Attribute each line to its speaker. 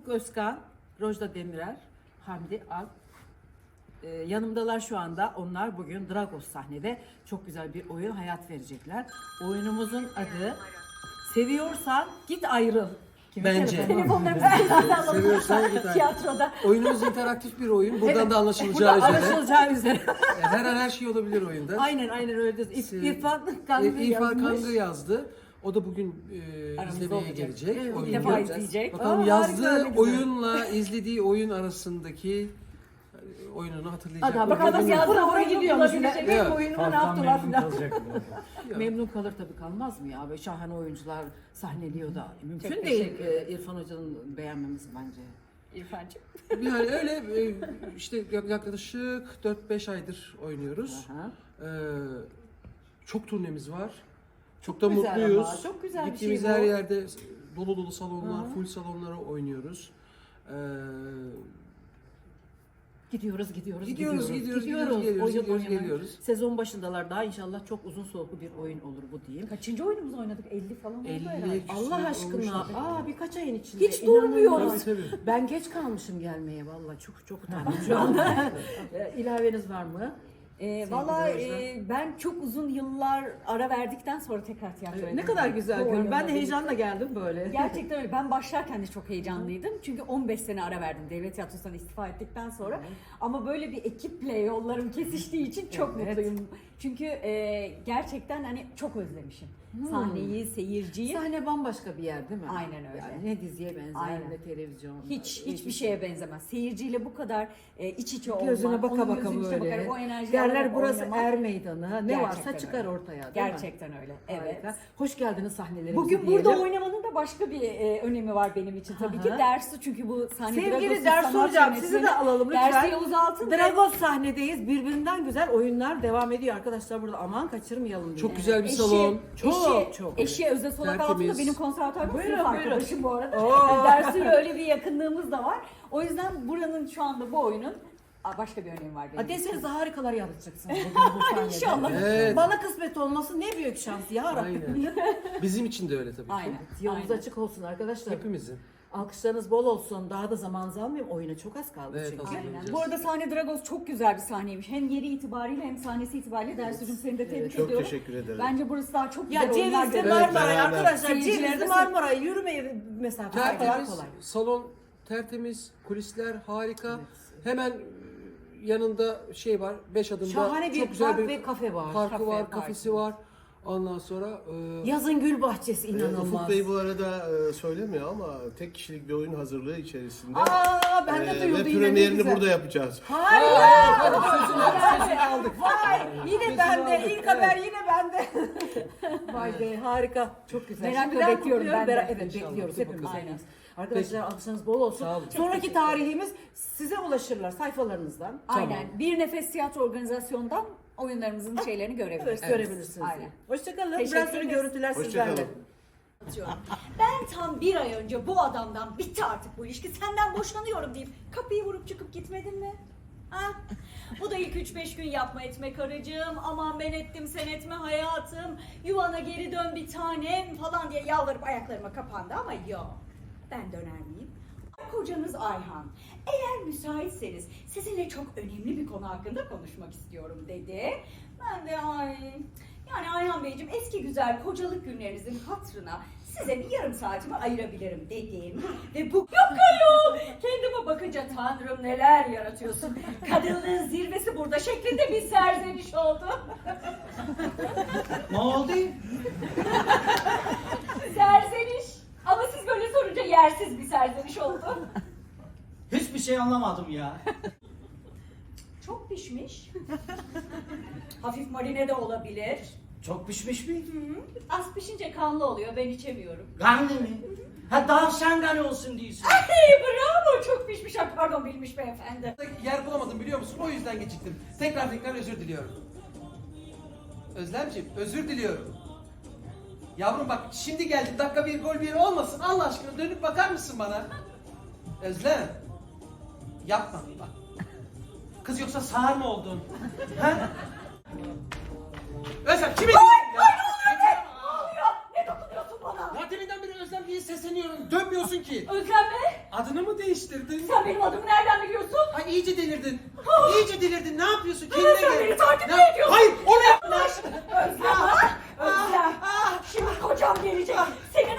Speaker 1: Ufuk Özkan, Rojda Demirer, Hamdi Alp. Yanımdalar şu anda. Onlar bugün Dragos sahnede çok güzel bir oyun hayat verecekler. Oyunumuzun adı Seviyorsan Git Ayrıl.
Speaker 2: Bence.
Speaker 3: Telefonlarımızı
Speaker 2: Seviyorsan git.
Speaker 3: tiyatroda.
Speaker 2: Oyunumuz interaktif bir oyun. Buradan da anlaşılacağı
Speaker 1: Burada
Speaker 2: üzere.
Speaker 1: anlaşılacağı üzere.
Speaker 2: Her an her şey olabilir oyunda.
Speaker 1: aynen öyle. İrfan Kangı
Speaker 2: İrfan
Speaker 1: yazmış.
Speaker 2: Kangı yazdı. O da bugün
Speaker 3: Aramızda
Speaker 2: izlemeye
Speaker 3: olacak.
Speaker 2: gelecek.
Speaker 1: Evet,
Speaker 2: oyunu
Speaker 3: İlk defa
Speaker 2: göreceğiz.
Speaker 3: izleyecek.
Speaker 2: Bakalım
Speaker 1: Aa,
Speaker 2: yazdığı
Speaker 1: harika, ne güzel.
Speaker 2: oyunla izlediği oyun arasındaki oyununu hatırlayacak.
Speaker 1: Adam
Speaker 3: Bakalım
Speaker 1: bakalım
Speaker 3: yazdığı
Speaker 1: yazdığı
Speaker 3: oyunu
Speaker 1: gidiyormuş.
Speaker 3: bulabilecek.
Speaker 1: Benim
Speaker 2: mi?
Speaker 1: oyunumu ne
Speaker 4: Halktan
Speaker 1: yaptılar
Speaker 4: memnun
Speaker 1: filan.
Speaker 4: kalacak.
Speaker 1: Memnun kalır tabii, kalmaz mı ya? Böyle şahane oyuncular sahneliyor da. Mümkün
Speaker 3: Çok
Speaker 1: değil
Speaker 3: teşekkür ederim.
Speaker 1: İrfan Hoca'nın beğenmemesi bence.
Speaker 3: İrfancığım.
Speaker 2: Yani öyle işte yaklaşık 4-5 aydır oynuyoruz.
Speaker 1: Aha.
Speaker 2: Çok turnemiz var. Çok da
Speaker 1: güzel
Speaker 2: mutluyuz.
Speaker 1: ama, çok güzel bir
Speaker 2: Gittiğimiz
Speaker 1: şey bu.
Speaker 2: her yerde dolu dolu salonlar,
Speaker 1: Hı.
Speaker 2: full salonlara oynuyoruz.
Speaker 1: Gidiyoruz.
Speaker 2: Gidiyoruz,
Speaker 1: Oyun oynamaya.
Speaker 2: geliyoruz.
Speaker 1: Sezon başındalar daha, inşallah çok uzun soluklu bir oyun olur bu diyeyim.
Speaker 3: Kaçıncı oyunumuzu oynadık? 50 falan oldu
Speaker 2: 50
Speaker 3: herhalde.
Speaker 1: Allah aşkına, birkaç ayın içinde.
Speaker 3: Hiç durmuyoruz.
Speaker 1: İnanılmaz.
Speaker 2: Tabii.
Speaker 1: Ben geç kalmışım gelmeye, vallahi çok utandım şu anda. İlaveniz var mı?
Speaker 3: Valla
Speaker 1: Sevgili
Speaker 3: ben çok uzun yıllar ara verdikten sonra tekrar tiyatroya
Speaker 1: Ne kadar güzel
Speaker 3: Bu
Speaker 1: görünüyor. Ben de
Speaker 3: oyunla
Speaker 1: heyecanla geldim böyle.
Speaker 3: birlikte. Gerçekten öyle. Ben başlarken de çok heyecanlıydım. Çünkü 15 sene ara verdim devlet tiyatrosundan istifa ettikten sonra. Ama böyle bir ekiple yollarım kesiştiği için çok
Speaker 1: Evet.
Speaker 3: mutluyum. Çünkü gerçekten hani çok özlemişim. Sahneyi, seyirciyi.
Speaker 1: Sahne bambaşka bir yer değil mi?
Speaker 3: Aynen öyle.
Speaker 1: Yani ne diziye benzer
Speaker 3: Aynen.
Speaker 1: ne televizyon.
Speaker 3: Hiçbir şeye benzemez. Seyirciyle bu kadar iç içe olmak,
Speaker 1: Gözüne baka
Speaker 3: onun
Speaker 1: baka
Speaker 3: gözünün içine
Speaker 1: böyle.
Speaker 3: bakarak o enerjiyi
Speaker 1: Derler
Speaker 3: alarak
Speaker 1: burası
Speaker 3: oynamak.
Speaker 1: er meydanı. Ne varsa
Speaker 3: Gerçekten
Speaker 1: çıkar
Speaker 3: öyle.
Speaker 1: ortaya değil mi?
Speaker 3: Gerçekten öyle. Evet.
Speaker 1: Harika. Hoş geldiniz sahnelerimize
Speaker 3: Bugün
Speaker 1: diyelim.
Speaker 3: burada oynamanın da başka bir önemi var benim için tabii ki.
Speaker 1: Hı hı.
Speaker 3: Dersi, çünkü bu sahne
Speaker 1: Sevgili
Speaker 3: Dragos'un
Speaker 1: Dersu
Speaker 3: sanat
Speaker 1: Hocam, sizi
Speaker 3: yönetmeni.
Speaker 1: de alalım lütfen.
Speaker 3: Dersi Yavuz Altın ve
Speaker 1: Dragos sahnedeyiz. Birbirinden güzel oyunlar devam ediyor arkadaşlar burada. Aman kaçırmayalım diye.
Speaker 2: Çok güzel bir
Speaker 3: eşi,
Speaker 2: salon.
Speaker 1: Çok.
Speaker 3: Eşi Özel Solak
Speaker 2: Tertemiz.
Speaker 3: Altın da benim konservatuvarda
Speaker 1: Buyurun,
Speaker 3: sınıf
Speaker 1: buyurun.
Speaker 3: arkadaşım bu arada.
Speaker 1: Oo.
Speaker 3: Dersiyle öyle bir yakınlığımız da var. O yüzden buranın şu anda bu oyunun başka bir önemi var benim için.
Speaker 1: Deseniz harikalar yaratacaksınız bugün bu sahnede.
Speaker 3: İnşallah.
Speaker 2: Evet.
Speaker 1: Bana kısmet olması ne büyük şans ya Rabbim.
Speaker 2: Aynen. Bizim için de öyle tabii ki.
Speaker 3: Aynen.
Speaker 1: Yolunuz
Speaker 3: Aynen.
Speaker 1: açık olsun arkadaşlar.
Speaker 2: Hepimizin.
Speaker 1: Alkışlarınız bol olsun. Daha da zamanınızı almayayım. Oyuna çok az kaldı
Speaker 2: Evet,
Speaker 1: çünkü.
Speaker 2: hazırlanacağız.
Speaker 3: Aynen. Bu arada sahne Dragos çok güzel bir sahneymiş. Hem yeri itibariyle hem sahnesi itibariyle. Dersu'cum seni de tebrik
Speaker 4: Çok
Speaker 3: ediyorum.
Speaker 4: teşekkür ederim.
Speaker 3: Bence burası daha çok güzel
Speaker 1: Ya
Speaker 3: oyunlar
Speaker 1: Cevizli
Speaker 3: görüyor.
Speaker 1: Marmaray
Speaker 4: beraber.
Speaker 1: arkadaşlar.
Speaker 3: Seyirciler
Speaker 1: Cevizli
Speaker 3: de-
Speaker 1: Marmaray yürüme mesafesi kadar
Speaker 2: Tertemiz,
Speaker 1: kolay.
Speaker 2: salon tertemiz, kulisler harika. Hemen yanında şey var, 5 adımda
Speaker 1: Şahane bir
Speaker 2: çok güzel
Speaker 1: park ve kafe var.
Speaker 2: Parkı
Speaker 3: Kafe,
Speaker 2: var,
Speaker 3: park.
Speaker 2: kafesi var. Ondan sonra
Speaker 1: Yazın gül bahçesi
Speaker 4: Ufuk
Speaker 1: inanılmaz.
Speaker 4: Bey bu arada söylemiyor ama tek kişilik bir oyun hazırlığı içerisinde.
Speaker 1: Aa ben de
Speaker 4: Ve
Speaker 1: duyuldu yine, ne
Speaker 4: premierini
Speaker 1: güzel.
Speaker 4: burada yapacağız.
Speaker 1: Harika.
Speaker 2: sözünü aldık.
Speaker 1: Vay yine
Speaker 2: Sözünü
Speaker 1: bende.
Speaker 2: aldık,
Speaker 1: İlk haber yine bende. Vay be harika. Çok güzel.
Speaker 3: Merakla
Speaker 1: Şimdiden
Speaker 3: bekliyorum
Speaker 1: kutluyorum.
Speaker 3: ben de.
Speaker 1: Evet
Speaker 2: İnşallah.
Speaker 1: bekliyoruz
Speaker 2: Hadi
Speaker 1: hepimiz.
Speaker 2: bakalım.
Speaker 1: Aynen. Arkadaşlar alkışlarınız bol olsun.
Speaker 2: Sağ olun.
Speaker 1: Sonraki tarihimiz size ulaşırlar sayfalarınızdan.
Speaker 3: Aynen. Bir Nefes Tiyatro Organizasyon'dan oyunlarımızın şeylerini görebilirsiniz.
Speaker 1: Evet, görebilirsiniz.
Speaker 3: Aynen.
Speaker 1: Hoşçakalın.
Speaker 3: Teşekkür
Speaker 1: Biraz sonra
Speaker 3: ederiz.
Speaker 1: görüntüler sizlerle.
Speaker 4: Hoşçakalın.
Speaker 5: Ben tam bir ay önce bu adamdan bitti artık bu ilişki, senden boşanıyorum deyip kapıyı vurup çıkıp gitmedin mi? Ha? Bu da ilk 3-5 gün yapma etme karıcığım, aman ben ettim sen etme hayatım, yuvana geri dön bir tanem falan diye yalvarıp ayaklarıma kapandı ama yok, ben döner miyim? Kocanız Ayhan, eğer müsaitseniz sizinle çok önemli bir konu hakkında konuşmak istiyorum dedi. Ben de yani Ayhan Beyciğim, eski güzel kocalık günlerinizin hatırına size bir yarım saatimi ayırabilirim dedim. Ve bu yok ayol, kendime bakınca Tanrım neler yaratıyorsun, kadınlığın zirvesi burada şeklinde bir serzeniş oldu.
Speaker 6: Ne oldu?
Speaker 5: Serzeniş. Ama siz böyle sorunca yersiz bir serzeniş oldu.
Speaker 6: Hiçbir şey anlamadım ya.
Speaker 5: Çok pişmiş. Hafif marine de olabilir.
Speaker 6: Çok pişmiş mi?
Speaker 5: Az pişince kanlı oluyor, ben içemiyorum.
Speaker 6: Kanlı mı? Ha tavşan kanı olsun diyorsun.
Speaker 5: Hey bravo, çok pişmiş. Ay, pardon bilmiş beyefendi.
Speaker 2: Yer bulamadım biliyor musun? O yüzden geciktim. Tekrar özür diliyorum. Özlemciğim özür diliyorum. Yavrum bak şimdi geldim, dakika bir gol bir olmasın, Allah aşkına dönüp bakar mısın bana? Özlem. Yapma bak. Kız yoksa sağır mı oldun? Ha? Özlem kimi?
Speaker 5: Ay ne oluyor be? Ne oluyor? Ne dokunuyorsun bana?
Speaker 2: Ya deminden beri Özlem diye sesleniyorum. Dönmüyorsun ki.
Speaker 5: Özlem mi?
Speaker 2: Adını mı değiştirdin?
Speaker 5: Sen benim adımı nereden biliyorsun?
Speaker 2: Ay iyice delirdin. İyice delirdin. Ne yapıyorsun? Kendine
Speaker 5: Sen
Speaker 2: gel.
Speaker 5: beni takip mi
Speaker 2: Ne-
Speaker 5: ediyorsun?
Speaker 2: Hayır, onu yapma.
Speaker 5: Özlem ha? Özlem. Şimdi kocam gelecek. Senin